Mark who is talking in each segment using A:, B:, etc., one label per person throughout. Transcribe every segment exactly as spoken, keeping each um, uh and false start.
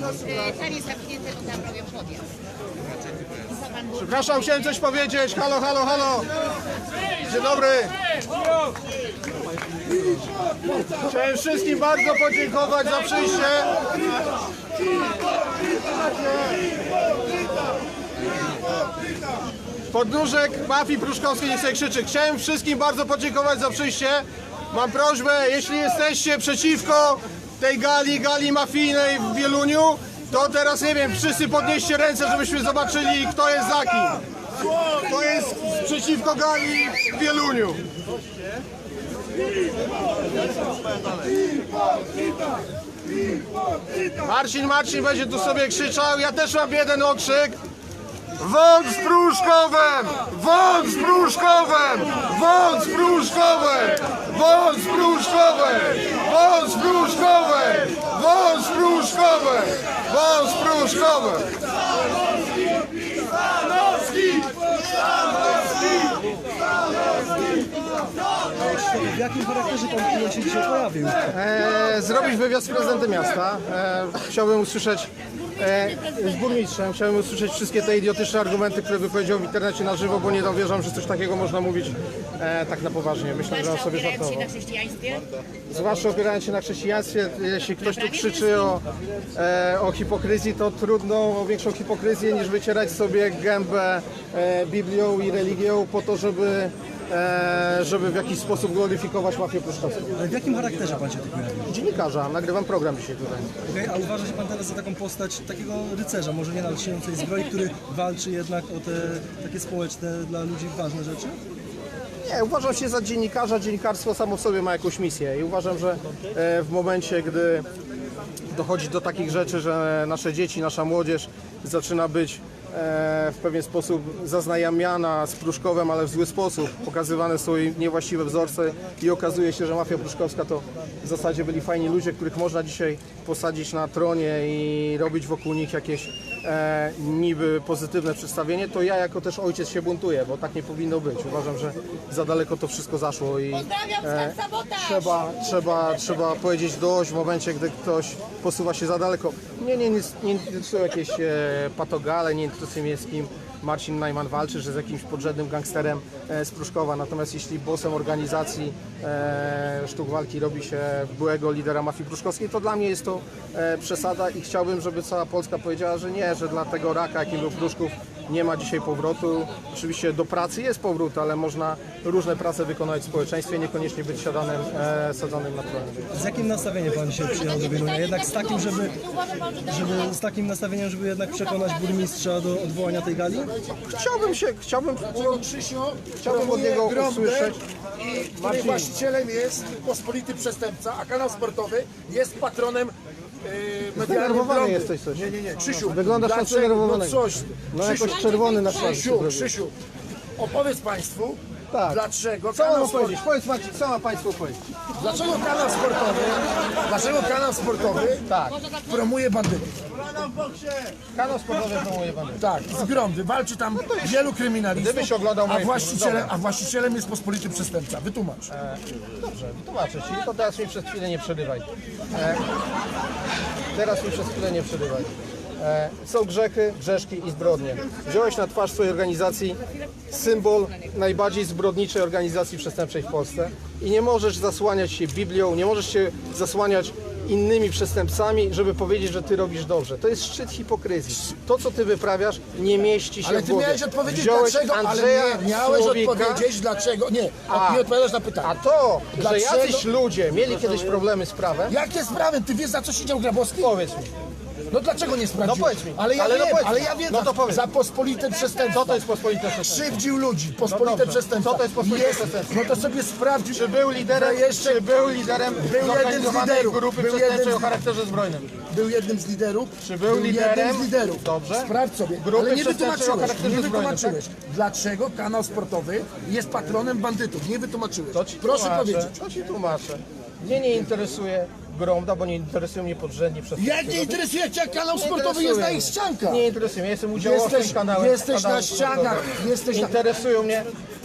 A: Tam jest zamknięty tam robią podjazd.
B: Przepraszam, chciałem coś powiedzieć. Halo, halo, halo. Dzień dobry. Chciałem wszystkim bardzo podziękować za przyjście. Podnóżek mafii pruszkowskiej nie sobie krzyczy. Chciałem wszystkim bardzo podziękować za przyjście. Mam prośbę, jeśli jesteście przeciwko tej gali, gali mafijnej w Wieluniu, to teraz nie wiem, wszyscy podnieście ręce, żebyśmy zobaczyli, kto jest za kim. Kto jest przeciwko gali w Wieluniu. Marcin, Marcin będzie tu sobie krzyczał. Ja też mam jeden okrzyk. Wąt z Pruszkowem! Wąt z Pruszkowem! Wąt z Pruszkowem! Wąt z Pruszkowem! Wąt z Pruszkowem! Wąt z Pruszkowem! Wąt z Pruszkowem! Stanowski!
C: W jakim charakterze pan się dzisiaj pojawił?
B: E, zrobić wywiad z prezydentem miasta. E, chciałbym usłyszeć e, z burmistrzem, chciałbym usłyszeć wszystkie te idiotyczne argumenty, które wypowiedział w internecie na żywo, bo nie dowierzam, że coś takiego można mówić e, tak na poważnie. Myślę, że on sobie
A: Opierając się
B: żartował.
A: na chrześcijaństwie?
B: Zwłaszcza opierając się na chrześcijaństwie, jeśli ktoś tu krzyczy o, e, o hipokryzji, to trudno o większą hipokryzję niż wycierać sobie gębę e, Biblią i religią po to, żeby, e, żeby w jakiś sposób gloryfikować mafię pruszkowską.
C: Ale w jakim charakterze pan się tu pojawił?
B: Dziennikarza, nagrywam program dzisiaj tutaj.
C: Okay, a uważa się pan teraz za taką postać takiego rycerza, może nie na lśniącej zbroi, który walczy jednak o te takie społeczne dla ludzi ważne rzeczy?
B: Nie, uważam się za dziennikarza. Dziennikarstwo samo w sobie ma jakąś misję i uważam, że e, w momencie, gdy dochodzi do takich rzeczy, że nasze dzieci, nasza młodzież zaczyna być e, w pewien sposób zaznajamiana z Pruszkowem, ale w zły sposób, pokazywane są jej niewłaściwe wzorce i okazuje się, że mafia pruszkowska to w zasadzie byli fajni ludzie, których można dzisiaj posadzić na tronie i robić wokół nich jakieś e, niby pozytywne przedstawienie, to ja jako też ojciec się buntuję, bo tak nie powinno być. Uważam, że za daleko to wszystko zaszło i e, trzeba, trzeba, trzeba powiedzieć dość w momencie, gdy ktoś posuwa się za daleko. Mnie nie, nie, nie interesują jakieś e, patogale, nie interesuje mnie z kim Marcin Najman walczy, że z jakimś podrzędnym gangsterem e, z Pruszkowa. Natomiast jeśli bossem organizacji e, sztuk walki robi się byłego lidera mafii pruszkowskiej, to dla mnie jest to e, przesada i chciałbym, żeby cała Polska powiedziała, że nie, że dla tego raka, jakim był Pruszków, nie ma dzisiaj powrotu. Oczywiście do pracy jest powrót, ale można różne prace wykonać w społeczeństwie, niekoniecznie być siadanym, e, sadzonym na tronie.
C: Z jakim nastawieniem pan się przyjechał do Wielunia? Jednak z takim, żeby, żeby z takim nastawieniem, żeby jednak przekonać burmistrza do odwołania tej gali?
B: Chciałbym się, chciałbym, chciałbym od niego usłyszeć.
D: I której właścicielem jest pospolity przestępca, a kanał sportowy jest patronem yy, medialnym
B: Zdenerwowany
D: Gromdy.
B: jesteś coś.
D: Nie, nie, nie, Krzysiu.
B: Wyglądasz na
D: dlaczego-
B: zdenerwowanego.
D: No coś.
B: No
D: Krzysiu,
B: jakoś czerwony na twarzy.
D: Krzysiu, Krzysiu, opowiedz Państwu,
B: Tak.
D: dlaczego
B: Co mam
D: kanał, sport...
B: powiedzieć? Powiedz Maciej, co ma Państwu powiedzieć?
D: dlaczego kanał sportowy, dlaczego kanał sportowy
B: Tak.
D: promuje bandytów.
B: Kanał sportowy promuje pan.
D: Tak, z Gromdy. Walczy tam wielu kryminalistów,
B: Gdybyś oglądał
D: a
B: moje
D: właścicielem,
B: filmy.
D: a właścicielem jest pospolity przestępca. Wytłumacz.
B: Dobrze, wytłumaczę Ci, to teraz mi przez chwilę nie przerywaj. E, teraz mi przez chwilę nie przerywaj. E, są grzechy, grzeszki i zbrodnie. Wziąłeś na twarz swojej organizacji symbol najbardziej zbrodniczej organizacji przestępczej w Polsce i nie możesz zasłaniać się Biblią, nie możesz się zasłaniać innymi przestępcami, żeby powiedzieć, że Ty robisz dobrze. To jest szczyt hipokryzji. To, co Ty wyprawiasz, nie mieści się
D: Ale
B: w
D: ty
B: głowie.
D: miałeś odpowiedzieć
B: Wziąłeś
D: dlaczego, ale
B: Andrzeja
D: nie, miałeś
B: Słowika,
D: odpowiedzieć dlaczego, nie,
B: A.
D: nie odpowiadasz na pytanie.
B: A to,
D: Dlaczego?
B: że jacyś ludzie mieli kiedyś problemy z prawem,
D: Jakie sprawy? Ty wiesz, za co siedział Grabowski?
B: powiedz mi.
D: No dlaczego nie sprawdził?
B: No powiedz mi.
D: Ale ja
B: Ale no
D: wiem,
B: powiedz
D: ale
B: mi.
D: ja wiem,
B: No to
D: za,
B: powiedz.
D: za pospolite przestępstwo.
B: Co to jest pospolite przestępstwo?
D: Krzywdził ludzi, pospolite
B: dobrze.
D: przestępstwo.
B: Co to jest pospolite przestępstwo?
D: No to sobie sprawdził.
B: Czy był liderem,
D: jeszcze
B: czy był liderem
D: był jednym z
B: zorganizowanej
D: liderów.
B: grupy
D: Był
B: przestępczej
D: jednym
B: o
D: z-
B: charakterze zbrojnym?
D: Był jednym z liderów.
B: Czy był liderem?
D: jednym z liderów.
B: Dobrze.
D: Sprawdź sobie.
B: Grupy
D: Ale nie
B: przestępczej o
D: wytłumaczyłeś.
B: charakterze
D: Nie
B: zbrojnym,
D: wytłumaczyłeś. Dlaczego kanał sportowy jest patronem bandytów? Nie wytłumaczyłeś.
B: To ci
D: Proszę
B: tłumaczę,
D: powiedzieć.
B: To ci tłumaczę. Mnie nie interesuje Gromda, bo nie interesują mnie podrzędni przestępcy.
D: Jak nie interesuje cię, jak kanał
B: Nie
D: sportowy jest na ich
B: interesuje mnie.
D: ściankach?
B: Nie interesuje mnie, jestem udziałowcem
D: Jesteś-
B: kanałem.
D: jesteś na
B: kanałem
D: ścianach,
B: sportowym.
D: jesteś na-
B: Interesują mnie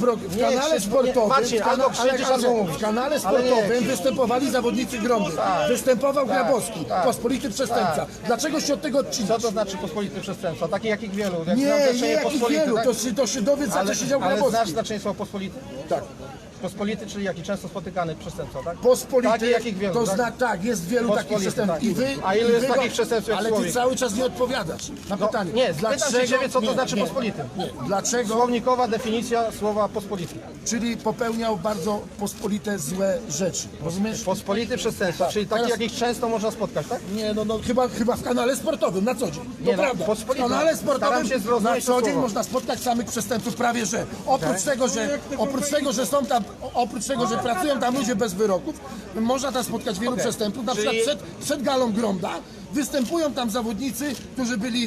D: pro, w
B: Nie,
D: kanale
B: krzyż, bo nie-
D: sportowym,
B: Marcin,
D: w, kana,
B: albo krzyczysz,
D: ale,
B: albo
D: ale,
B: mówisz.
D: w kanale
B: Ale nie,
D: sportowym
B: krzyż.
D: występowali zawodnicy Gromdy.
B: Tak.
D: Występował
B: Tak,
D: Grabowski,
B: tak.
D: pospolity przestępca.
B: Tak.
D: Dlaczego się od tego
B: Co
D: odcinasz?
B: to znaczy pospolity przestępstwa? Takich jakich wielu. Jak znam
D: Nie, nie
B: znaczenie
D: jakich
B: pospolity,
D: wielu,
B: tak?
D: to się, to się dowiedz, za
B: ale,
D: co siedział
B: ale znasz
D: Grabowski.
B: znaczenie słowa pospolity?
D: Tak.
B: Pospolity, czyli jaki często spotykany przestępca, tak?
D: Pospolity,
B: Takich jakich wielu,
D: to
B: tak?
D: zna, tak, jest wielu takich
B: Pospolity,
D: przestępców.
B: tak.
D: I wy,
B: A ilu
D: i
B: jest
D: wy
B: takich przestępców jak
D: Ale ty
B: człowiek?
D: cały czas nie odpowiadasz na
B: No,
D: pytanie.
B: nie, pytam się ciebie, co to
D: nie,
B: znaczy
D: nie,
B: pospolity.
D: Nie, dlaczego?
B: Słownikowa definicja słowa pospolity.
D: Czyli popełniał bardzo pospolite złe rzeczy. Rozumiesz?
B: Pospolity przestępstwa, czyli takie,
D: Teraz-
B: jakich często można spotkać, tak?
D: Nie, no, no chyba, chyba w kanale sportowym na co dzień. To
B: Nie, no,
D: prawda. W
B: pospolite.
D: kanale
B: Staram
D: sportowym
B: się
D: na
B: zrozumieć
D: co
B: to
D: dzień
B: słowo.
D: można spotkać samych przestępców prawie że. Oprócz
B: Tak.
D: tego, że oprócz tego, że są tam, oprócz tego, że pracują tam ludzie bez wyroków, można tam spotkać wielu
B: Okej.
D: przestępców. Na
B: Czyli-
D: przykład przed, przed galą Gromda występują tam zawodnicy, którzy byli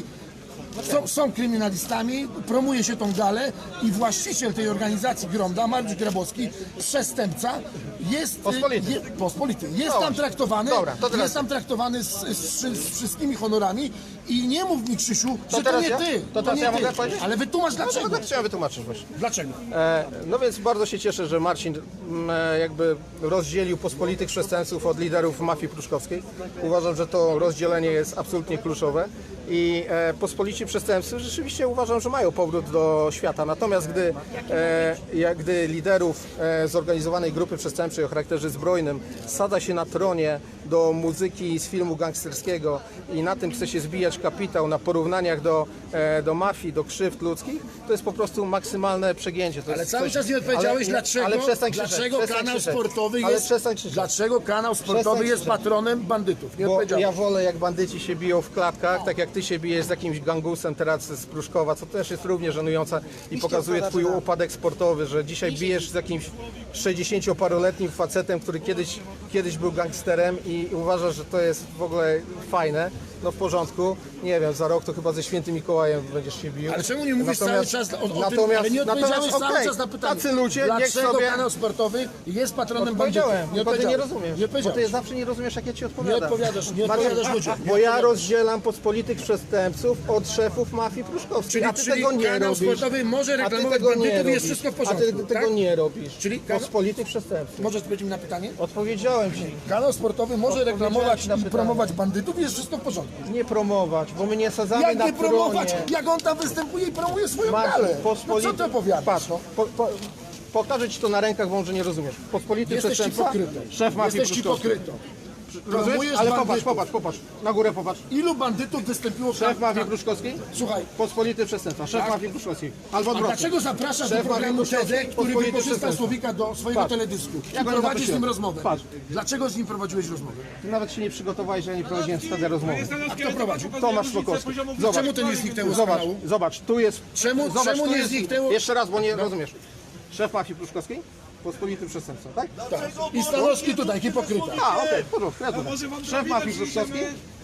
D: Są, są kryminalistami, promuje się tą galę i właściciel tej organizacji Gromda, Mariusz Grabowski, przestępca, jest
B: Pospolity.
D: Je, pospolity. Jest
B: Dobra.
D: tam traktowany,
B: Dobra, to teraz-
D: jest tam traktowany z, z, z wszystkimi honorami i nie mów mi, Krzysiu,
B: To
D: że to
B: teraz
D: nie
B: ja?
D: ty.
B: To teraz
D: nie
B: ja
D: ty.
B: mogę powiedzieć?
D: Ale wytłumacz
B: No
D: dlaczego.
B: to tak chciałem wytłumaczyć właśnie.
D: Dlaczego?
B: E, no więc bardzo się cieszę, że Marcin m, e, jakby rozdzielił pospolitych przestępców od liderów mafii pruszkowskiej. Uważam, że to rozdzielenie jest absolutnie kluczowe i e, pospolici przestępcy rzeczywiście uważam, że mają powrót do świata. Natomiast gdy, e, jak, gdy liderów e, zorganizowanej grupy przestępczej o charakterze zbrojnym sada się na tronie do muzyki z filmu gangsterskiego i na tym chce się zbijać kapitał, na porównaniach do, e, do mafii, do krzywd ludzkich, to jest po prostu maksymalne przegięcie. To
D: Ale
B: jest
D: cały
B: coś-
D: czas nie odpowiedziałeś,
B: ale,
D: dlaczego,
B: ale przestań krzyczeć,
D: dlaczego
B: przestań
D: kanał
B: krzyczeć.
D: sportowy
B: Ale
D: jest,
B: przestań krzyczeć.
D: dlaczego kanał sportowy
B: Przestań
D: jest
B: krzyczeć.
D: patronem bandytów. Nie
B: Bo
D: odpowiedziałeś.
B: ja wolę, jak bandyci się biją w klatkach, tak jak ty się bijesz z jakimś gangusem teraz z Pruszkowa, co też jest równie żenujące i pokazuje twój upadek sportowy, że dzisiaj bijesz z jakimś sześćdziesięcioparoletnim facetem, który kiedyś, kiedyś był gangsterem i uważasz, że to jest w ogóle fajne. No w porządku, nie wiem, za rok to chyba ze Świętym Mikołajem będziesz się bił.
D: Ale czemu nie mówisz
B: Natomiast-
D: cały czas o, o tym,
B: natomiast,
D: ale nie odpowiedziałeś
B: natomiast,
D: cały
B: okej,
D: czas na pytanie.
B: tacy ludzie, niech
D: Dlaczego
B: sobie...
D: kanał sportowy jest patronem bandytów?
B: Odpowiedziałem, bo ty nie
D: odpowiedziałeś.
B: rozumiesz.
D: Nie
B: Bo ty
D: odpowiedziałeś.
B: zawsze nie rozumiesz, jak ja ci odpowiadam.
D: Nie odpowiadasz, nie
B: Marcin,
D: odpowiadasz ludziom. Nie
B: Bo ja
D: odpowiadasz.
B: rozdzielam pospolitych przestępców od szefów mafii pruszkowskiej.
D: Czyli,
B: a ty
D: czyli
B: tego nie
D: kanał
B: robisz.
D: sportowy może
B: A ty
D: reklamować
B: tego nie
D: bandytów i jest
B: robisz.
D: wszystko w
B: A
D: porządku.
B: ty tego
D: tak?
B: nie robisz.
D: Czyli kanał-
B: Pospolitych przestępców.
D: Możesz odpowiedzieć mi na pytanie?
B: Odpowiedziałem ci.
D: Kanał sportowy może
B: Odpowiedziałem
D: reklamować
B: ci na
D: i
B: pytanie.
D: promować bandytów i jest wszystko w porządku.
B: Nie promować, bo my nie sadzamy
D: Jak
B: na
D: nie promować?
B: tronie.
D: Jak on tam występuje i promuje swoją
B: Marcin,
D: galę? No
B: pospolity-
D: co ty opowiadasz?
B: Patrz, po, po, pokażę ci to na rękach, bo może nie rozumiesz. Pospolity
D: Jesteś
B: przestępca,
D: hipokrytą.
B: szef mafii
D: Jesteś
B: pruszkowskiej.
D: hipokrytą.
B: Rozumiesz?
D: Promujesz
B: Ale
D: bandytów.
B: popatrz, popatrz, popatrz. Na górę popatrz.
D: Ilu bandytów wystąpiło w
B: Szef mafii
D: tak.
B: pruszkowskiej?
D: Słuchaj,
B: Pospolity przestępca, szef
D: Tak.
B: mafii pruszkowskiej. Albo
D: a
B: odwrotnie.
D: dlaczego zapraszasz do
B: Szef
D: programu
B: mafii
D: T D,
B: pruszkowskiej,
D: który
B: pospolity
D: wykorzysta
B: przestępca.
D: Słowika do swojego
B: Patrz.
D: teledysku
B: Ja
D: i
B: go
D: prowadzisz z nim
B: zaprosiłem.
D: rozmowę?
B: Patrz.
D: Dlaczego z nim prowadziłeś rozmowę?
B: Ty nawet się nie przygotowałeś, że ja nie prowadziłem wtedy rozmowy.
D: A kto prowadził?
B: Tomasz Szlokowski. Zobacz,
D: Czemu to nie zniknęło z
B: zobacz,
D: kanału?
B: zobacz, tu jest...
D: Czemu-
B: zobacz,
D: czemu
B: tu
D: nie
B: jest,
D: zniknęło?
B: Jeszcze raz, bo nie rozumiesz. Szef mafii pruszkowskiej, pospolity przestępca, tak?
D: Tak. I Stanowski tutaj, hipokryta.
B: A, okej, w porządku, ja to wiem. Szef mafii pruszkowskiej,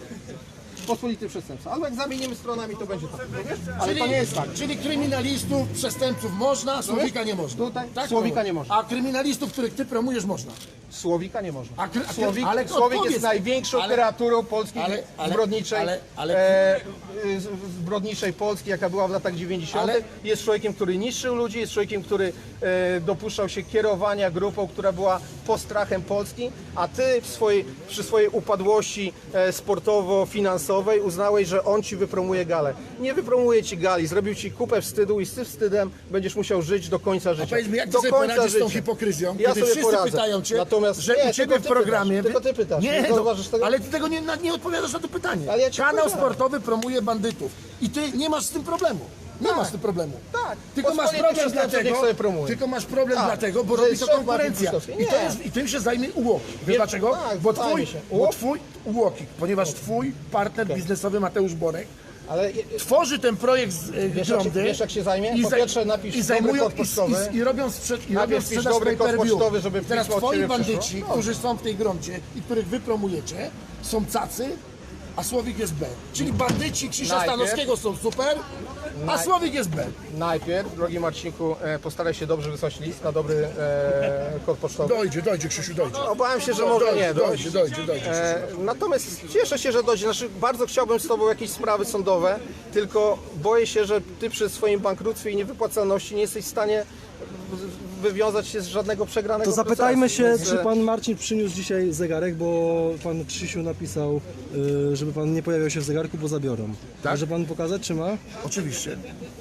B: pospolity przestępca. Albo jak zamienimy stronami, to będzie tak, wiesz? Ale to nie jest tak.
D: Czyli kryminalistów, przestępców można, Słowika nie można.
B: Tutaj
D: Tak?
B: Słowika nie można.
D: A kryminalistów, których ty promujesz, można.
B: Słowika nie można.
D: A kry- a kry-
B: Słowik,
D: ale
B: Słowik
D: odpowiedz-
B: jest największą
D: ale-
B: kreaturą Polski
D: ale- ale-
B: zbrodniczej,
D: ale- ale-
B: e, z- zbrodniczej Polski, jaka była w latach dziewięćdziesiątych.
D: Ale-
B: Jest człowiekiem, który niszczył ludzi, jest człowiekiem, który e, dopuszczał się kierowania grupą, która była postrachem Polski, a ty w swojej, przy swojej upadłości e, sportowo-finansowej uznałeś, że on ci wypromuje galę. Nie wypromuje ci gali, zrobił ci kupę wstydu i z tym wstydem będziesz musiał żyć do końca życia.
D: Powiedz mi, jak ty
B: do
D: sobie
B: końca
D: poradzisz z tą
B: życia.
D: hipokryzją,
B: Ja
D: kiedy
B: sobie
D: wszyscy
B: poradzę.
D: pytają cię,
B: Natomiast
D: że
B: nie,
D: u ciebie
B: tylko
D: w
B: ty
D: programie...
B: pytasz, tylko ty pytasz.
D: Nie,
B: Nie
D: no,
B: zauważysz tego?
D: ale ty tego nie, nie odpowiadasz na to pytanie.
B: Ale ja ci
D: Kanał
B: odpowiadam.
D: sportowy promuje bandytów i ty nie masz z tym problemu. Nie
B: Tak.
D: masz z tym problemu.
B: Tak.
D: Tylko masz
B: Pospolity
D: problem
B: przestępcy
D: dlatego,
B: niech sobie promuje.
D: tylko masz problem
B: Tak.
D: dlatego, bo
B: Że
D: robi
B: jest
D: to
B: szef
D: konkurencja.
B: mafii
D: I, to
B: Nie.
D: jest, I tym się zajmie UOKiK. Wiesz
B: Wiesz,
D: dlaczego?
B: tak,
D: bo
B: zajmie
D: twój,
B: się.
D: bo
B: UOKiK?
D: twój UOKiK, ponieważ twój partner biznesowy Mateusz Borek
B: Ale
D: tworzy ten projekt z e,
B: Wiesz, jak się-
D: Gromdy
B: wiesz, jak się zajmie?
D: i
B: Po
D: za-
B: pierwsze napisz
D: i
B: dobry
D: zajmują
B: kod pocztowy.
D: i, i, i robią, sprzed, i robią
B: Najpierw pisz
D: sprzedaż
B: dobry kod
D: pay-per-view.
B: pocztowy, żeby
D: I teraz
B: pismo od
D: twoi
B: ciebie
D: bandyci,
B: przyszło. No.
D: którzy są w tej Gromdzie i których wy promujecie, są cacy, a Słowik jest B. Czyli bandyci Krzysia
B: Najpierw-
D: Stanowskiego są super, a
B: Naj-
D: Słowik jest B.
B: Najpierw, drogi Marcinku, e, postaraj się dobrze wysłać list na dobry e, kod pocztowy.
D: Dojdzie, dojdzie Krzysiu, dojdzie.
B: Obawiam się, że może
D: dojdzie,
B: nie dojść.
D: dojdzie, dojdzie, dojdzie.
B: E, natomiast cieszę się, że dojdzie. Znaczy, bardzo chciałbym z Tobą jakieś sprawy sądowe, tylko boję się, że Ty przy swoim bankructwie i niewypłacalności nie jesteś w stanie wywiązać się z żadnego przegranego
C: To zapytajmy
B: procesu,
C: się,
B: więc,
C: czy
B: e,
C: pan Marcin przyniósł dzisiaj zegarek, bo pan Krzysiu napisał, y, żeby pan nie pojawiał się w zegarku, bo zabiorą.
D: Tak?
C: Może pan pokazać, czy ma?
D: Oczywiście.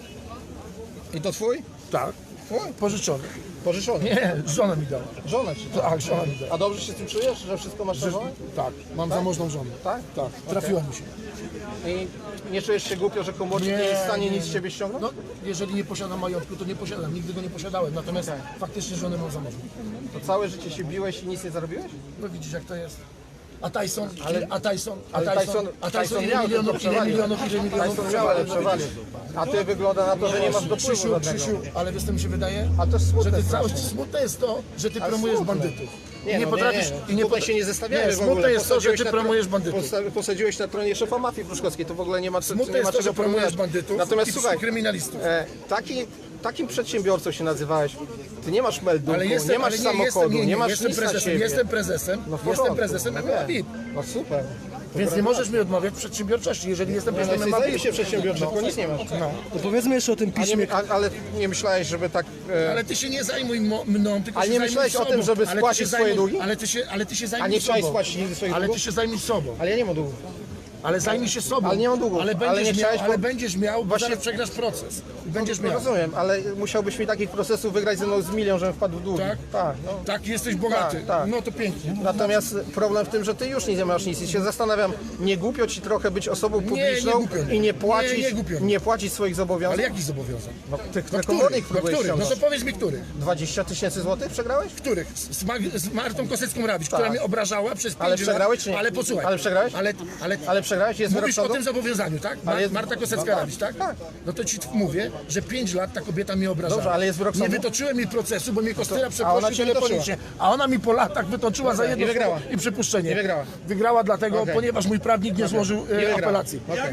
B: I to twój?
D: Tak.
B: Twój?
D: Pożyczony.
B: Pożyczony.
D: Nie, żona mi dała.
B: Żona ci to.
D: Tak, żona mi dała.
B: A dobrze się z tym czujesz, że wszystko masz na żonę?
D: Tak, mam zamożną żonę.
B: Tak?
D: Tak, trafiła mi się.
B: I nie czujesz się głupio, że komornik nie,
D: Nie,
B: jest w stanie
D: nie,
B: nic z
D: nie.
B: ciebie ściągnąć?
D: No, jeżeli nie posiadam majątku, to nie posiadam. Nigdy go nie posiadałem. Natomiast faktycznie żonę mam zamożną.
B: To całe życie się biłeś i nic nie zarobiłeś?
D: No widzisz, jak to jest. A Tyson,
B: Ale-
D: a Tyson, a
B: Ale
D: Tyson,
B: Tyson,
D: a Tyson,
B: Tyson
D: ile
B: miał
D: milionów,
B: tylko
D: ile
B: przewagę.
D: milionów, ile milionów
B: Tyson miał, ale przewagę. A ty wygląda na to, że nie masz dopływu
D: Krzysiu,
B: żadnego.
D: Krzysiu, ale wiesz co mi się wydaje?
B: A to jest smutne
D: że ty cały,
B: strasznie.
D: smutne jest to, że ty
B: Ale
D: promujesz
B: smutne.
D: bandytów.
B: Nie,
D: I nie
B: no,
D: potrafisz,
B: nie,
D: i nie
B: tutaj
D: pot-
B: się nie zestawiamy
D: Nie,
B: w ogóle.
D: smutne jest to, że
B: Posadziłeś
D: ty
B: na
D: promujesz
B: tro-
D: bandytów.
B: posta- Posadziłeś na tronie szefa mafii pruszkowskiej, to w ogóle nie ma, co-
D: Smutne
B: nie ma
D: jest to,
B: czego
D: że promujesz
B: promować.
D: bandytów
B: Natomiast
D: i
B: słuchaj,
D: kryminalistów.
B: e, taki, takim przedsiębiorcą się nazywałeś, ty nie masz meldunku,
D: Ale jestem,
B: nie masz
D: ale nie,
B: samochodu,
D: jestem, nie,
B: nie,
D: nie,
B: masz
D: jestem
B: nic na
D: prezesem,
B: siebie.
D: jestem prezesem,
B: No w
D: jestem
B: porządku,
D: prezesem
B: no
D: M M A
B: wiem.
D: V I P.
B: No super.
D: Więc nie możesz mi odmawiać przedsiębiorczości, jeżeli jestem
B: Nie, no
D: prezesem
B: jesteś
D: M M A V I P.
B: zajebiście przedsiębiorczy, tylko nic nie masz.
D: No.
C: To powiedzmy jeszcze o tym
B: A
C: piśmie.
B: nie, a, ale nie myślałeś, żeby tak... E,
D: Ale ty się nie zajmuj mo- mną, tylko
B: Ale
D: się
B: nie
D: zajmuj
B: myślałeś o
D: sobą.
B: tym, żeby
D: Ale ty
B: spłacić
D: się
B: swoje
D: zajmuj-
B: długi?
D: Ale ty się, ale ty się zajmuj
B: a nie chciałeś
D: sobą.
B: spłacić nigdy swoich
D: Ale
B: długów?
D: ty się zajmuj sobą.
B: Ale ja nie mam długów.
D: Ale zajmij się sobą.
B: Ale nie mam długów.
D: Ale
B: Ale
D: będziesz,
B: nie
D: miał,
B: chciałeś,
D: ale
B: bo-
D: będziesz miał, bo
B: Właśnie-
D: zaraz przegrasz proces. I będziesz miał.
B: Rozumiem, ale musiałbyś mi takich procesów wygrać ze mną z milion, żebym wpadł w długi.
D: Tak?
B: Tak, no.
D: Tak, jesteś bogaty.
B: Tak, tak.
D: No to pięknie.
B: Natomiast problem w tym, że ty już nie masz nic i się zastanawiam, nie głupio ci trochę być osobą publiczną
D: nie głupio.
B: i nie płacić,
D: Nie, nie głupio.
B: nie płacić swoich zobowiązań?
D: Ale jakich zobowiązań?
B: No, tych,
D: No
B: no, komornik
D: których? No,
B: próbujesz
D: których? No to
B: ściągnąć.
D: powiedz mi których.
B: dwadzieścia tysięcy złotych przegrałeś?
D: Których? Z, Mag- z Martą Kosecką-Rawicz, która mnie obrażała przez pięć
B: Ale
D: lat.
B: przegrałeś czy nie?
D: Ale posłuchaj.
B: Ale przegrałeś?
D: Ale, ale,
B: Ale przegrałeś? Jest wyrok
D: Mówisz o
B: sądu?
D: tym zobowiązaniu, tak? Ma-
B: Ale jest-
D: Marta Kosecka-Rawicz, tak?
B: tak.
D: No to ci mówię, że pięć lat ta kobieta mnie obrażała.
B: Dobrze, ale jest wyrok
D: Nie
B: sądu?
D: wytoczyłem jej procesu, bo mnie Kostyra
B: ona
D: przeprosił
B: cię wytoczyła.
D: telefonicznie. A ona mi po latach wytoczyła za jedno
B: I wygrała.
D: słowo i przypuszczenie.
B: I wygrała.
D: Wygrała dlatego,
B: Okej.
D: ponieważ mój prawnik nie złożył e,
B: wygrała.
D: apelacji.
B: Okej.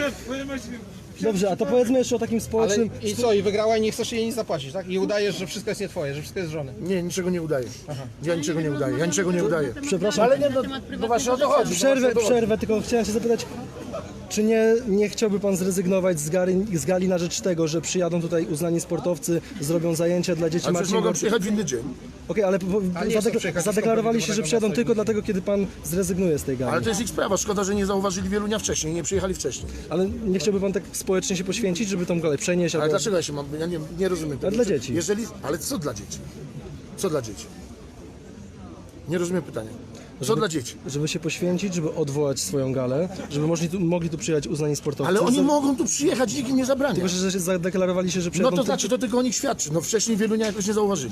C: Dobrze, a to powiedzmy jeszcze o takim
B: Ale
C: społecznym...
B: i co, i wygrała i nie chcesz jej nic zapłacić, tak? I udajesz, że wszystko jest nie twoje, że wszystko jest żony.
D: Nie, niczego nie udaję. Ja niczego nie udaję, ja niczego nie udaję.
C: Przepraszam,
D: Ale nie, no, no właśnie o to chodzi.
C: przerwę,
D: no właśnie o to chodzi.
C: przerwę, tylko chciałem się zapytać, czy nie, nie chciałby pan zrezygnować z, gali, z gali na rzecz tego, że przyjadą tutaj uznani sportowcy, zrobią zajęcia dla dzieci
D: Ale przecież
C: Marcin
D: mogą
C: Gorczyk?
D: przyjechać w inny dzień.
C: Okej, ale po, po,
B: Ale nie chcą
C: zadek-
B: przyjechać
C: zadeklarowali się, że
B: do
C: przyjadą
B: tego
C: tylko dlatego, kiedy pan zrezygnuje z tej gali.
D: Ale to jest ich sprawa. Szkoda, że nie zauważyli Wielunia wcześniej, nie przyjechali wcześniej.
C: Ale nie chciałby pan tak społecznie się poświęcić, żeby tą galę przenieść?
D: Ale
C: albo...
D: dlaczego ja się mam... Ja nie, nie rozumiem tego.
C: dla dzieci.
D: Jeżeli... Ale co dla dzieci? Co dla dzieci? Nie rozumiem pytania. Co dla dzieci?
C: Żeby się poświęcić, żeby odwołać swoją galę, żeby mogli tu, mogli tu przyjechać uznani sportowcy.
D: Ale oni
C: Za-
D: mogą tu przyjechać, nikt im nie zabrania.
C: Tylko, że że zadeklarowali się, że
D: No
C: przyjadą
D: to
C: tylko-
D: znaczy, to tylko o nich świadczy. No wcześniej Wielunia jakoś nie zauważyli.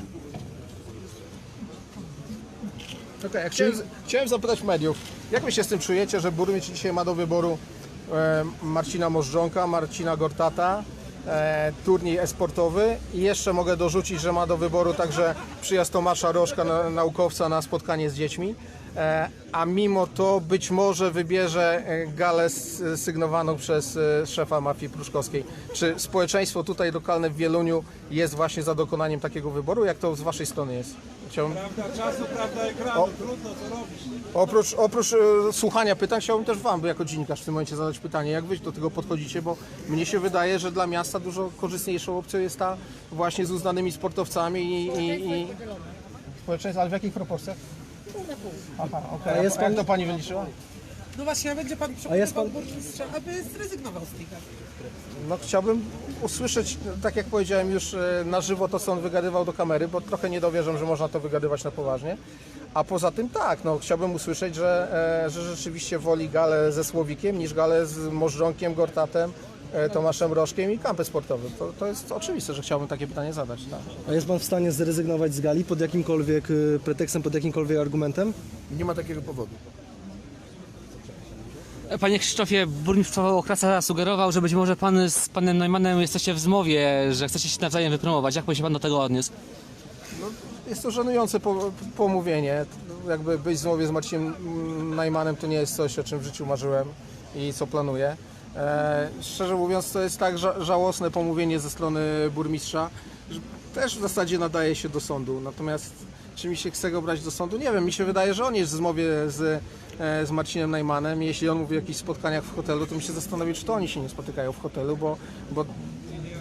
B: Okay, chciałem, chciałem zapytać mediów, jak wy się z tym czujecie, że burmistrz dzisiaj ma do wyboru e, Marcina Możdżonka, Marcina Gortata, e, turniej e-sportowy i jeszcze mogę dorzucić, że ma do wyboru także przyjazd Tomasza Rożka, na, naukowca, na spotkanie z dziećmi, e, a mimo to być może wybierze e, galę s- sygnowaną przez e, szefa mafii pruszkowskiej. Czy społeczeństwo tutaj lokalne w Wieluniu jest właśnie za dokonaniem takiego wyboru? Jak to z waszej strony jest? Chciałbym...
E: Prawda czasu, prawda ekranu,
B: O.
E: trudno co robić.
B: Oprócz, oprócz e, słuchania pytań, chciałbym też wam, jako dziennikarz w tym momencie zadać pytanie, jak wy do tego podchodzicie, bo mnie się wydaje, że dla miasta dużo korzystniejszą opcją jest ta właśnie z uznanymi sportowcami i... i, i... Społeczeństwo, ale w jakich proporcjach? Aha, okej.
C: A jest
B: A jak
C: pan-
B: to pani wyliczyła?
F: No właśnie, a będzie pan
C: jest
F: przekonywał
C: pan-
F: burmistrza, aby zrezygnował z tej gali.
B: No chciałbym usłyszeć, tak jak powiedziałem już e, na żywo to, co on wygadywał do kamery, bo trochę nie dowierzam, że można to wygadywać na poważnie. A poza tym tak, no chciałbym usłyszeć, że, e, że rzeczywiście woli galę ze Słowikiem niż galę z Możdżonkiem, Gortatem, e, Tomaszem Rożkiem i kampem sportowym. To, to jest oczywiste, że chciałbym takie pytanie zadać. Tak.
C: A jest pan w stanie zrezygnować z gali pod jakimkolwiek y, pretekstem, pod jakimkolwiek argumentem?
D: Nie ma takiego powodu.
G: Panie Krzysztofie, burmistrz Okrasa sugerował, że być może pan z panem Neumannem jesteście w zmowie, że chcecie się nawzajem wypromować. Jak by się pan do tego odniósł?
B: Jest to żenujące po, pomówienie. Jakby być w zmowie z Marcinem Najmanem to nie jest coś, o czym w życiu marzyłem i co planuję. E, szczerze mówiąc, to jest tak ża- żałosne pomówienie ze strony burmistrza, że też w zasadzie nadaje się do sądu. Natomiast czy mi się chce go brać do sądu? Nie wiem, mi się wydaje, że on jest w zmowie z, e, z Marcinem Najmanem. Jeśli on mówi o jakichś spotkaniach w hotelu, to mi się zastanowić, czy to oni się nie spotykają w hotelu, bo, bo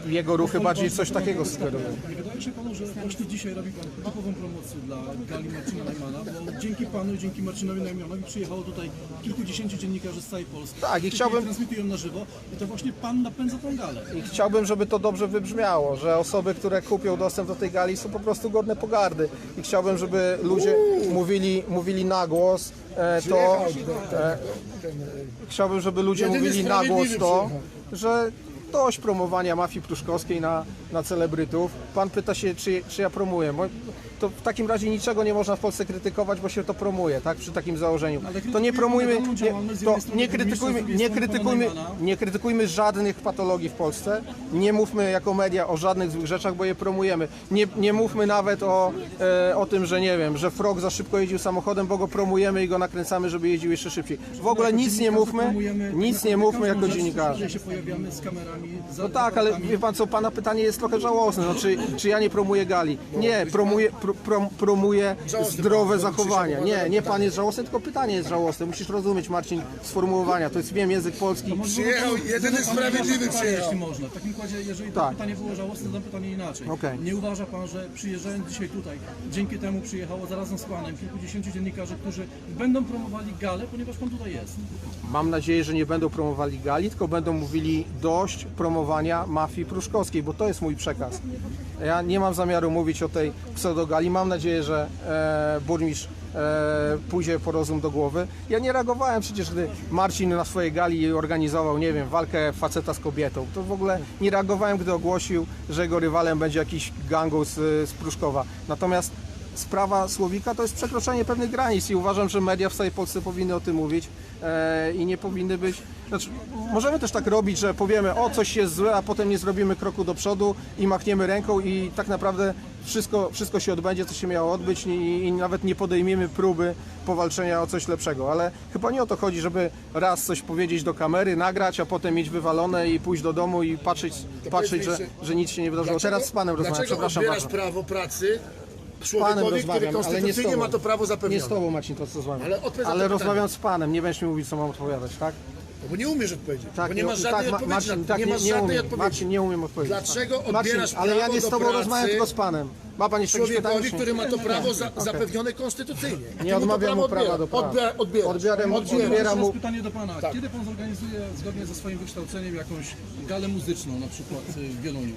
B: jego ruchy bardziej coś takiego sugerują.
H: Nie wydaje się panu, że właśnie dzisiaj robi pan typową promocję dla gali Marcina Najmana, bo dzięki panu i dzięki Marcinowi Najmanowi przyjechało tutaj kilkudziesięciu dziennikarzy z całej Polski.
B: Tak, i
H: którzy
B: chciałbym-
H: transmitują na żywo i to właśnie pan napędza tą galę.
B: I chciałbym, żeby to dobrze wybrzmiało, że osoby, które kupią dostęp do tej gali, są po prostu godne pogardy. I chciałbym, żeby ludzie mówili, mówili na głos e, to. E, chciałbym, żeby ludzie
D: Jedyny
B: mówili na głos
D: sprawiedliwy
B: to,
D: przyjechał.
B: że dość promowania mafii pruszkowskiej na, na celebrytów. Pan pyta się, czy, czy ja promuję. Bo to w takim razie niczego nie można w Polsce krytykować, bo się to promuje, tak? Przy takim założeniu. To nie promujmy, nie, to nie krytykujmy, nie krytykujmy, nie krytykujmy żadnych patologii w Polsce. Nie mówmy jako media o żadnych złych rzeczach, bo je promujemy. Nie, nie mówmy nawet o, e, o tym, że nie wiem, że Frog za szybko jeździł samochodem, bo go promujemy i go nakręcamy, żeby jeździł jeszcze szybciej. W ogóle nic nie mówmy, nic nie mówmy jako dziennikarze.
H: się pojawiamy z kamerami.
B: No tak, ale wie pan co, pana pytanie jest trochę żałosne. No, czy, czy ja nie promuję gali? Nie, promuję, pro, pro, promuję zdrowe zachowania. Nie, nie pan jest żałosny, tylko pytanie jest żałosne. Musisz rozumieć, Marcin, sformułowania. To jest, wiem, język polski.
D: Przyjechał jedyny sprawiedliwy
H: pytanie,
D: przyjechał.
H: jeśli można. W takim układzie, jeżeli to
B: Tak.
H: pytanie było żałosne, to pytanie inaczej.
B: Okej.
H: Nie uważa pan, że przyjeżdżając dzisiaj tutaj, dzięki temu przyjechało zarazem z panem kilkudziesięciu dziennikarzy, którzy będą promowali galę, ponieważ pan tutaj jest.
B: Mam nadzieję, że nie będą promowali gali, tylko będą mówili dość promowania mafii pruszkowskiej, bo to jest mój przekaz. Ja nie mam zamiaru mówić o tej pseudogali. Mam nadzieję, że e, burmistrz e, pójdzie po rozum do głowy. Ja nie reagowałem przecież, gdy Marcin na swojej gali organizował, nie wiem, walkę faceta z kobietą. To w ogóle nie reagowałem, gdy ogłosił, że jego rywalem będzie jakiś gangu z, z Pruszkowa. Natomiast sprawa Słowika to jest przekroczenie pewnych granic i uważam, że media w całej Polsce powinny o tym mówić e, i nie powinny być... Znaczy, możemy też tak robić, że powiemy, o coś jest złe, a potem nie zrobimy kroku do przodu i machniemy ręką i tak naprawdę wszystko, wszystko się odbędzie, co się miało odbyć i, i nawet nie podejmiemy próby powalczenia o coś lepszego. Ale chyba nie o to chodzi, żeby raz coś powiedzieć do kamery, nagrać, a potem mieć wywalone i pójść do domu i patrzeć, patrzeć że, że nic się nie wydarzyło. Teraz z panem rozmawiam,
D: Dlaczego
B: przepraszam
D: odbierasz
B: bardzo.
D: prawo pracy
B: Z panem
D: człowiekowi, który
B: rozmawiam, ale nie z
D: konstytucyjnie
B: tobą.
D: ma to prawo
B: Nie
D: zapewnione?
B: z tobą, Marcin, to co z wami.
D: Ale odpowiedz na
B: Ale
D: to
B: rozmawiam z panem, nie będziesz mi mówić, co mam odpowiadać, tak?
D: No bo nie umiesz odpowiedzieć,
B: Tak,
D: bo nie masz żadnej
B: tak,
D: odpowiedzi.
B: Marcin,
D: na,
B: tak,
D: nie masz
B: nie, nie
D: żadnej
B: umiem,
D: odpowiedzi.
B: Marcin, nie umiem odpowiedzieć.
D: Dlaczego
B: Marcin,
D: odbierasz
B: ale ja
D: prawo
B: nie z
D: do
B: tobą
D: pracy
B: rozmawiam, tylko z panem. Ma pan jeszcze jakieś pytanie?
D: Człowiekowi,
B: czy
D: który ma to prawo za, zapewnione konstytucyjnie? Ty
B: Nie
D: mu to
B: odmawiam mu prawa do prawa.
D: Odbiera, odbierasz.
B: Odbieram,
D: Odbierasz.
B: odbieram
H: Teraz
B: mu...
H: pytanie do pana.
D: Tak.
H: Kiedy pan zorganizuje zgodnie ze swoim wykształceniem jakąś galę muzyczną, na przykład y, w Wieluniu?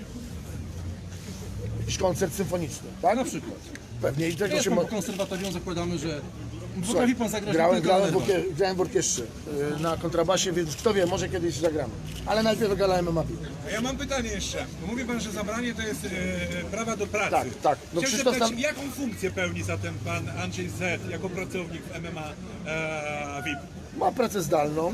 D: Jakiś koncert symfoniczny, tak?
H: Na przykład.
D: Pewnie i tego
H: Jest
D: się
H: pan
D: mo...
H: po konserwatorium, zakładamy, że
D: Słuchaj,
H: potrafi pan zagrać
D: grałem,
H: tylko
D: grałem, w
H: na
D: orkie, grałem w orkiestrze y, na kontrabasie, więc kto wie, może kiedyś zagramy. Ale najpierw gala M M A.
E: A ja mam pytanie jeszcze. Bo mówi pan, że zabranie to jest e, prawa do pracy.
D: Tak, tak. No
E: Chciałem
D: Krzysztof
E: zapytać,
D: tam-
E: jaką funkcję pełni zatem pan Andrzej Z jako pracownik w M M A e, V I P?
D: Ma pracę zdalną.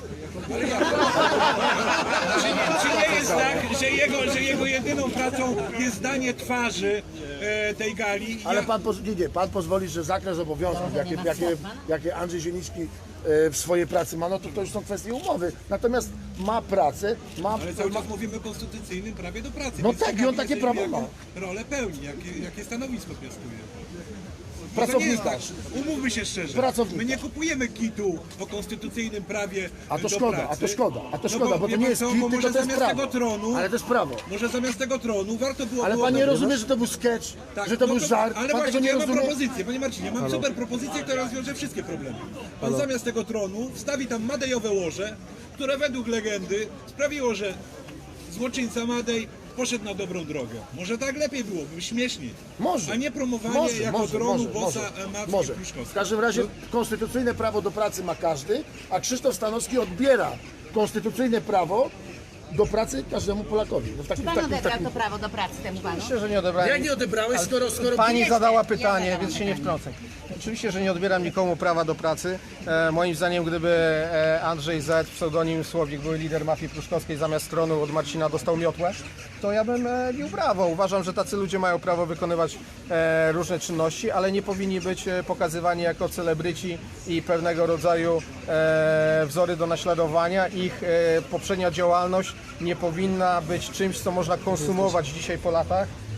E: Czy nie jest tak, że jego, że jego jedyną pracą jest danie twarzy e, tej gali?
D: Ale
E: Ja-
D: pan, poz- nie, nie, pan pozwoli, że zakres obowiązków, jakie, jakie, jakie Andrzej Zieliński e, w swojej pracy ma, no to to już są kwestie umowy. Natomiast ma pracę, ma...
E: Ale cały czas mówimy o konstytucyjnym prawie do pracy.
D: No
E: więc
D: tak, i on
E: ciekawi
D: takie
E: jestem,
D: prawo ma.
E: jaką rolę pełni, jakie, jakie stanowisko piastuje.
D: Pracownikarz.
E: To nie jest tak. Umówmy się szczerze.
D: Pracownikarz.
E: My nie kupujemy kitu o konstytucyjnym prawie
D: A to
E: do
D: szkoda,
E: pracy.
D: a to szkoda, a to
E: No
D: szkoda, bo
E: wie
D: to nie
E: pan
D: jest
E: co,
D: kit,
E: bo
D: tylko
E: może
D: to jest
E: zamiast
D: prawo.
E: tego tronu,
D: Ale to jest prawo.
E: może zamiast tego tronu warto było...
D: Ale
E: było
D: pan nie
E: tak-
D: rozumie, że to był sketch,
E: Tak,
D: że to
E: no
D: był żart,
E: Ale
D: pan
E: właśnie,
D: tego nie
E: ja mam
D: rozumie.
E: propozycję, panie Marcinie, mam super propozycję, która rozwiąże wszystkie problemy. Pan zamiast tego tronu wstawi tam madejowe łoże, które według legendy sprawiło, że złoczyńca Madej poszedł na dobrą drogę. Może tak lepiej byłoby, śmieszniej.
D: Może.
E: A nie promowanie
D: Może,
E: jako
D: może,
E: tronu
D: może,
E: bossa
D: może,
E: mafii
D: może. W
E: pruszkowskiej.
D: każdym razie konstytucyjne prawo do pracy ma każdy, a Krzysztof Stanowski odbiera konstytucyjne prawo do pracy każdemu Polakowi. No w takim,
A: Pan
D: takim,
A: odebrał
D: takim...
A: to prawo do pracy temu panu?
B: Myślę, że nie odebrałem.
D: Jak nie odebrałeś, skoro... skoro...
B: Pani zadała pytanie,
A: zadałam
B: więc się nie wtrącę. Oczywiście, że nie odbieram nikomu prawa do pracy. E, moim zdaniem, gdyby e, Andrzej Z, pseudonim Słowik, był lider mafii pruszkowskiej, zamiast tronu od Marcina dostał miotłę, to ja bym e, bił brawo. Uważam, że tacy ludzie mają prawo wykonywać e, różne czynności, ale nie powinni być e, pokazywani jako celebryci i pewnego rodzaju e, wzory do naśladowania. Ich e, poprzednia działalność nie powinna być czymś, co można konsumować dzisiaj po latach.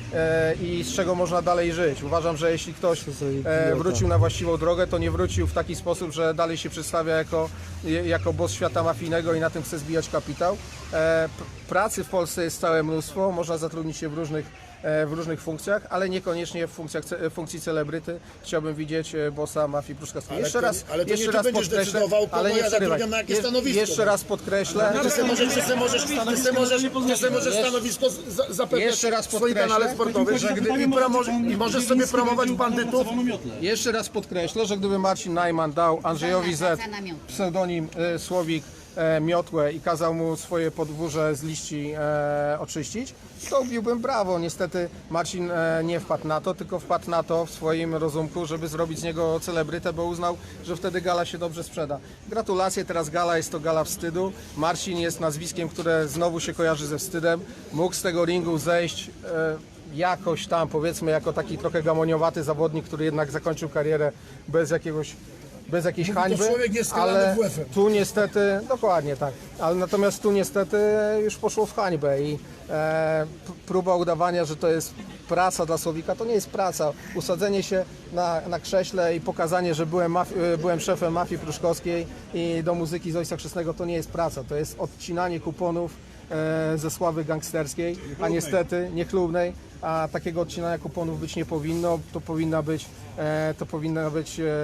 B: e, i z czego można dalej żyć. Uważam, że jeśli ktoś e, wrócił na właściwą drogę, to nie wrócił w taki sposób, że dalej się przedstawia jako, jako boss świata mafijnego i na tym chce zbijać kapitał. E, pracy w Polsce jest całe mnóstwo, można zatrudnić się w różnych w różnych funkcjach, ale niekoniecznie w funkcjach, w funkcji celebryty. Chciałbym widzieć bossa mafii pruszkowskiej. Jeszcze
D: to-
B: raz,
D: ale to
B: jeszcze
D: nie ty
B: raz
D: będziesz
B: podkreślę,
D: decydował, kogo
B: ale nie
D: ja
B: przerywaj.
D: zatrudniam na jakie
B: Je-
D: stanowisko.
B: Jeszcze raz podkreślę,
D: Ty se możesz, ty se możesz, ty se możesz, ty se możesz stanowisko za- zapewniać
B: Jeszcze raz
D: w swoim
B: podkreślę.
D: kanale sportowym że gdy, i, promo, i możesz sobie promować bandytów.
B: jeszcze raz podkreślę, że gdyby Marcin Najman dał Andrzejowi Z
A: Za namiot.
B: pseudonim e, Słowik e, miotłę i kazał mu swoje podwórze z liści e, oczyścić, to biłbym brawo. Niestety Marcin e, nie wpadł na to, tylko wpadł na to w swoim rozumku, żeby zrobić z niego celebrytę, bo uznał, że wtedy gala się dobrze sprzeda. Gratulacje, teraz gala jest to gala wstydu. Marcin jest nazwiskiem, które znowu się kojarzy ze wstydem. Mógł z tego ringu zejść e, jakoś tam, powiedzmy, jako taki trochę gamoniowaty zawodnik, który jednak zakończył karierę bez jakiegoś bez jakiejś
D: Mówi to
B: hańby,
D: człowiek nieskalany
B: ale
D: W F-em.
B: tu niestety, dokładnie tak, ale natomiast tu niestety już poszło w hańbę i e, p- próba udawania, że to jest praca dla Słowika, to nie jest praca. Usadzenie się na, na krześle i pokazanie, że byłem, maf- e, byłem szefem mafii pruszkowskiej i do muzyki z Ojca Chrzestnego, to nie jest praca, to jest odcinanie kuponów e, ze sławy gangsterskiej, a niestety niechlubnej, a takiego odcinania kuponów być nie powinno, to powinna być, e, to powinna być e,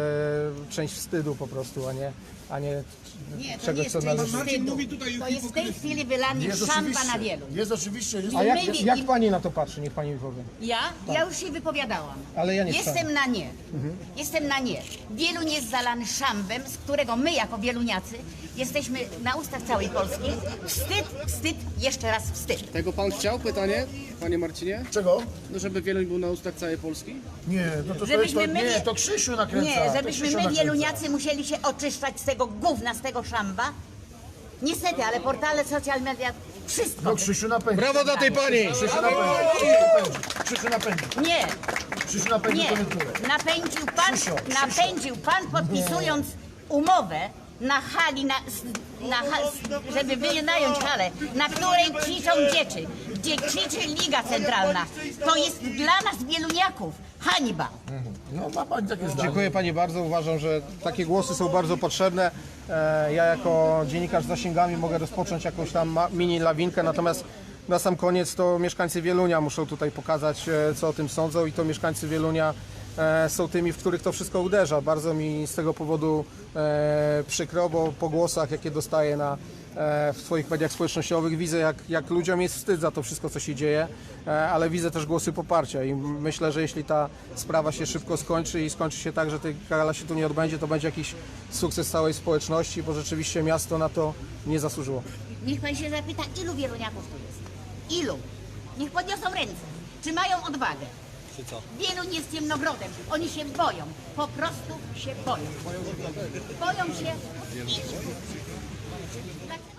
B: część wstydu po prostu, a nie, a nie
A: Nie, to nie
B: czegoś,
A: jest
B: co
A: część
B: należy.
E: Marcin
A: wstydu.
E: mówi tutaj o
A: To jest w tej
E: hipokryzji.
A: chwili wylanie
D: Jest
A: szampa
D: oczywiście,
A: na wielu.
D: jest oczywiście, jest
B: A jak,
A: My-
B: jak pani na to patrzy? Niech pani mi powie.
A: Ja? Ja już się wypowiadałam.
B: Ale ja nie
A: Jestem
B: chciałem.
A: na nie. Jestem na nie. Wieluń jest zalany szambem, z którego my jako wieluniacy jesteśmy na ustach całej Polski. Wstyd, wstyd, jeszcze raz wstyd.
I: Tego pan chciał? Pytanie, panie Marcinie?
D: Czego?
I: No żeby Wieluń był na ustach całej Polski?
D: Nie, no to, to,
A: Żebyśmy
D: to,
A: my
D: nie,
A: nie-
D: to Krzysiu nakręca.
A: Nie,
D: to
A: żebyśmy
D: Krzysiu
A: my
D: nakręca.
A: wieluniacy musieli się oczyszczać z tego gówna, z tego szamba. Niestety, ale portale, social media, wszystko.
D: No Krzysiu napędzi.
B: Brawo dla tej pani!
D: Krzysiu napędzi. Krzysiu napędzi.
A: Nie,
D: Krzysiu napędzi
A: nie.
D: koniunkturę.
A: Napędził pan,
D: Krzysio,
A: napędził pan podpisując umowę na hali, na, na, ha- żeby wynająć halę, na której krzyczą dzieci, gdzie krzyczy Liga Centralna. To jest dla nas wieluniaków hańba.
D: No ma pani takie zdanie.
B: Dziękuję pani bardzo. Uważam, że takie głosy są bardzo potrzebne. E, Ja jako dziennikarz z zasięgami mogę rozpocząć jakąś tam ma- mini lawinkę, natomiast na sam koniec to mieszkańcy Wielunia muszą tutaj pokazać, e, co o tym sądzą i to mieszkańcy Wielunia e, są tymi, w których to wszystko uderza. Bardzo mi z tego powodu e, przykro, bo po głosach, jakie dostaję na, e, w swoich mediach społecznościowych, widzę, jak, jak ludziom jest wstyd za to wszystko, co się dzieje, e, ale widzę też głosy poparcia i myślę, że jeśli ta sprawa się szybko skończy i skończy się tak, że tej gala się tu nie odbędzie, to będzie jakiś sukces całej społeczności, bo rzeczywiście miasto na to nie zasłużyło.
A: Niech pan się zapyta, ilu wieluniaków tu jest? Ilu? Niech podniosą ręce. Czy mają odwagę? Czy co? Wieluń jest ciemnogrodem. Oni się boją. Po prostu się boją. Boją się. I...